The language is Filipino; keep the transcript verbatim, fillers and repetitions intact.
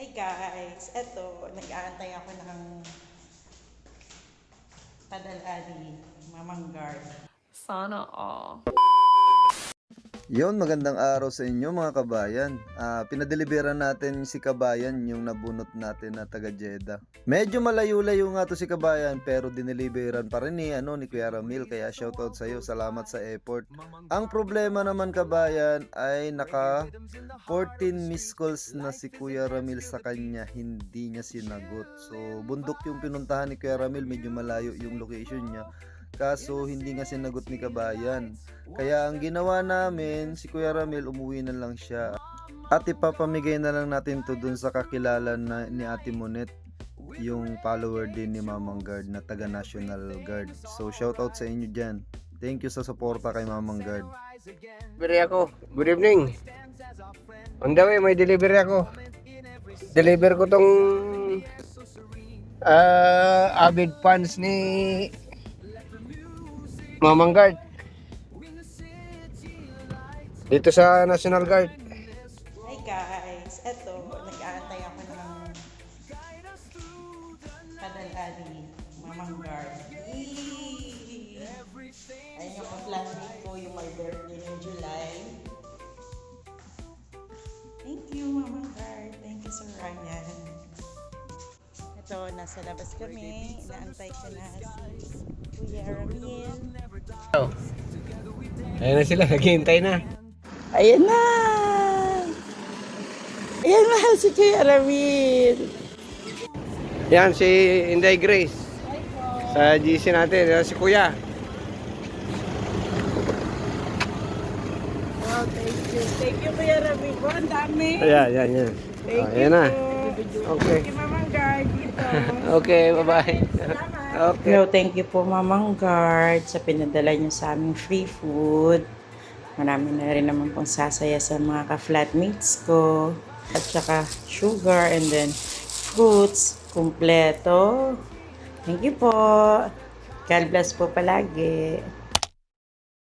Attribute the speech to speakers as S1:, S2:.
S1: Hi guys, eto, nag-aantay ako ng padala ni Mamang Guard.
S2: Sana all.
S3: Yon, magandang araw sa inyo mga kabayan. Ah, pinadelibera natin si Kabayan, yung nabunot natin na taga Jeddah. Medyo malayo-layo nga to si Kabayan, pero dineliveran pa rin ni, ano, ni Kuya Ramil, kaya shoutout sa iyo, salamat sa effort. Ang problema naman Kabayan ay naka fourteen missed calls na si Kuya Ramil sa kanya, hindi niya sinagot. So bundok yung pinuntahan ni Kuya Ramil, medyo malayo yung location niya. Kaso hindi nga sinagot ni Kabayan. Kaya ang ginawa namin, si Kuya Ramil umuwi na lang siya. At ipapamigay na lang natin to dun sa kakilala na, ni Ate Monet, yung follower din ni Mamang Guard na taga National Guard. So shoutout sa inyo dyan. Thank you sa suporta kay Mamang Guard.
S4: Delivery ako. Good evening. On the way, may delivery ako. Deliver ko tong uh, avid fans ni Mamang Guard dito sa National Guard.
S1: Hi guys, eto, nag-aantay ako ng padala ni Mamang Guard. Yee! Ayun yung ka-flatmate ko, yung my birthday ng July. Thank you Mamang Guard, thank you Sir Ryan. Ito, nasa labas kami, inaantay ko na si Kuya Ramil.
S4: Ayan na sila, naghihintay na.
S1: Ayan na! Ayan na si Kuya Ramil.
S4: Yan si Inday Grace sa G C natin. Yan si Kuya.
S1: Wow, thank you. Thank you Kuya Ramil. Oh, ang dami.
S4: Ayan, yan, yan.
S1: Thank
S4: Oh,
S1: you
S4: ayan na.
S1: po.
S4: Okay.
S1: Thank you Mamang Guard dito.
S4: Okay, bye-bye. Okay.
S1: Hello, thank you po Mamang Guard sa pinadala niyo sa aming free food. Marami na rin naman pong sasaya sa mga ka-flatmates ko. At saka sugar and then fruits. Kumpleto. Thank you po. God bless po palagi.